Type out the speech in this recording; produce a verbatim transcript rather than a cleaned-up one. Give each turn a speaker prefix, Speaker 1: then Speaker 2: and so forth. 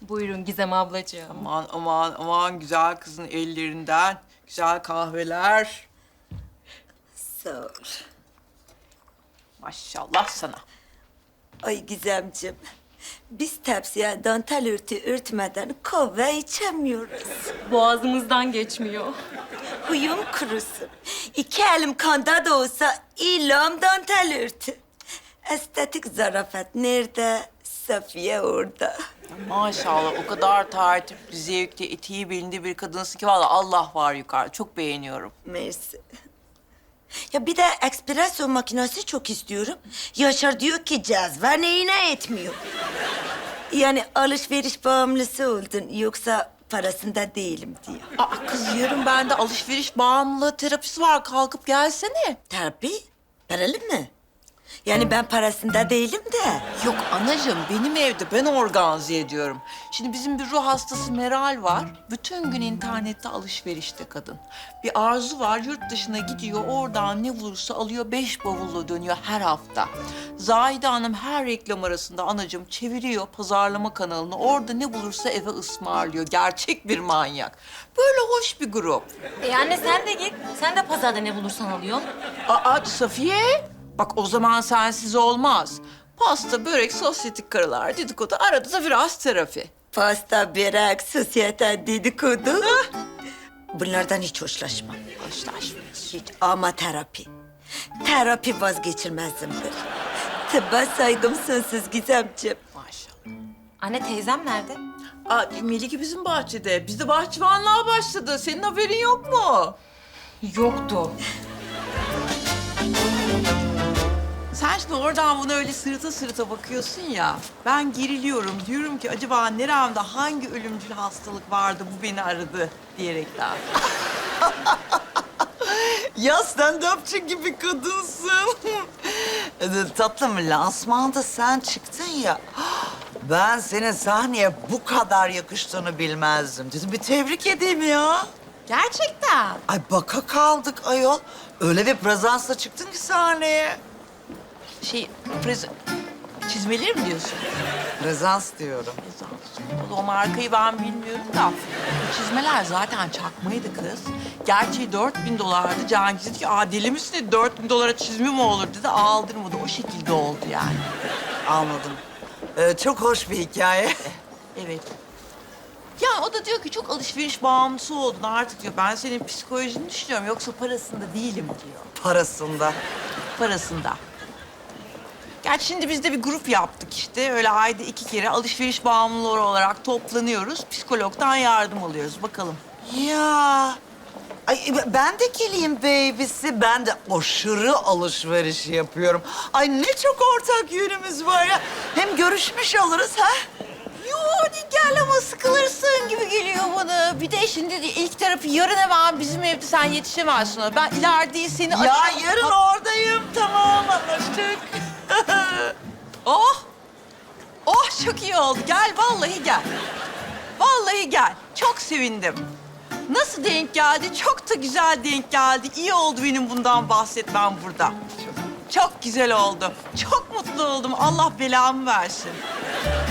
Speaker 1: Buyurun Gizem ablacığım.
Speaker 2: Aman aman aman güzel kızın ellerinden güzel kahveler.
Speaker 3: Sağ ol.
Speaker 2: Maşallah sana.
Speaker 3: Ay Gizemciğim, biz tepsiye dantel örtü örtmeden kahve içemiyoruz.
Speaker 1: Boğazımızdan geçmiyor.
Speaker 3: Huyum kurusun. İki elim kanda da olsa ilam dantel örtü. Estetik zarafet nerede? Safiye orada.
Speaker 2: Maşallah o kadar tertipli, zevkli, etiği belinde bir kadınsın ki vallahi Allah var yukarı. Çok beğeniyorum.
Speaker 3: Mersi. Ya bir de espresso makinesi çok istiyorum. Yaşar diyor ki cezve neyine etmiyor. Yani alışveriş bağımlısı oldun yoksa parasında değilim diyor.
Speaker 2: Aa kız yarın bende alışveriş bağımlılığı terapisi var. Kalkıp gelsene.
Speaker 3: Tabii. Paralı mı? Yani ben parasında değilim de.
Speaker 2: Yok anacığım benim evde ben organize ediyorum. Şimdi bizim bir ruh hastası Meral var. Bütün gün internette alışverişte kadın. Bir Arzu var yurt dışına gidiyor oradan ne bulursa alıyor beş bavulla dönüyor her hafta. Zahide Hanım her reklam arasında anacığım çeviriyor pazarlama kanalını. Orada ne bulursa eve ısmarlıyor. Gerçek bir manyak. Böyle hoş bir grup.
Speaker 1: E anne sen de git. Sen de pazarda ne bulursan alıyorsun.
Speaker 2: Aa Safiye. Bak o zaman sensiz olmaz. Pasta, börek, sosyetik karılar, dedikodu, arada da biraz terapi.
Speaker 3: Pasta, börek, sosyete, dedikodu. Bunlardan hiç hoşlaşmam.
Speaker 2: Hoşlaşmıyoruz.
Speaker 3: Hiç ama terapi. Terapi vazgeçilmezimdir. Tıbba saygım sonsuz Gizemciğim.
Speaker 2: Maşallah.
Speaker 1: Anne teyzem nerede?
Speaker 2: Aa, Melike bizim bahçede. Bizde bahçıvanlığa başladı. Senin haberin yok mu?
Speaker 1: Yoktu.
Speaker 2: Sen şimdi oradan bunu öyle sırıta sırıta bakıyorsun ya. Ben geriliyorum. Diyorum ki acaba neremde hangi ölümcül hastalık vardı bu beni aradı diyerekten.
Speaker 4: Ya stand-upçı gibi kadınsın. Ee, Tatlım lansmanda sen çıktın ya. Ben senin sahneye bu kadar yakıştığını bilmezdim. Dedim bir tebrik edeyim ya.
Speaker 2: Gerçekten.
Speaker 4: Ay baka kaldık ayol. Öyle bir prezansla çıktın ki sahneye.
Speaker 2: Şey, prez... çizmeleri mi diyorsun?
Speaker 4: Prezans diyorum.
Speaker 2: O markayı ben bilmiyorum da. Bu çizmeler zaten çakmaydı kız. Gerçeği dört bin dolardı. Cengiz dedi ki, aa deli misin dedi. Dört bin dolara çizme mi olur dedi. Aldırmadı. O şekilde oldu yani.
Speaker 4: Anladım. Ee, çok hoş bir hikaye.
Speaker 2: Evet. Yani o da diyor ki çok alışveriş bağımlısı oldun artık diyor. Ben senin psikolojini düşünüyorum. Yoksa parasında değilim diyor.
Speaker 4: Parasında.
Speaker 2: Parasında. Gerçi şimdi biz de bir grup yaptık işte. Öyle ayda iki kere alışveriş bağımlıları olarak toplanıyoruz. Psikologdan yardım alıyoruz. Bakalım.
Speaker 4: Ya. Ay ben de geleyim babysi. Ben de aşırı alışveriş yapıyorum. Ay ne çok ortak yönümüz var ya. Hem görüşmüş oluruz ha.
Speaker 2: Yo gel ama sıkılırsın gibi geliyor bana. Bir de şimdi ilk terapi yarın hemen bizim evde sen yetişemezsin ona. Ben ileride seni...
Speaker 4: Ya
Speaker 2: arayacağım.
Speaker 4: yarın oradayım. Tamam anlaştık.
Speaker 2: Oh! Oh çok iyi oldu. Gel vallahi gel. Vallahi gel. Çok sevindim. Nasıl denk geldi? Çok da güzel denk geldi. İyi oldu benim bundan bahsetmem burada. Çok güzel oldu. Çok mutlu oldum. Allah belamı versin.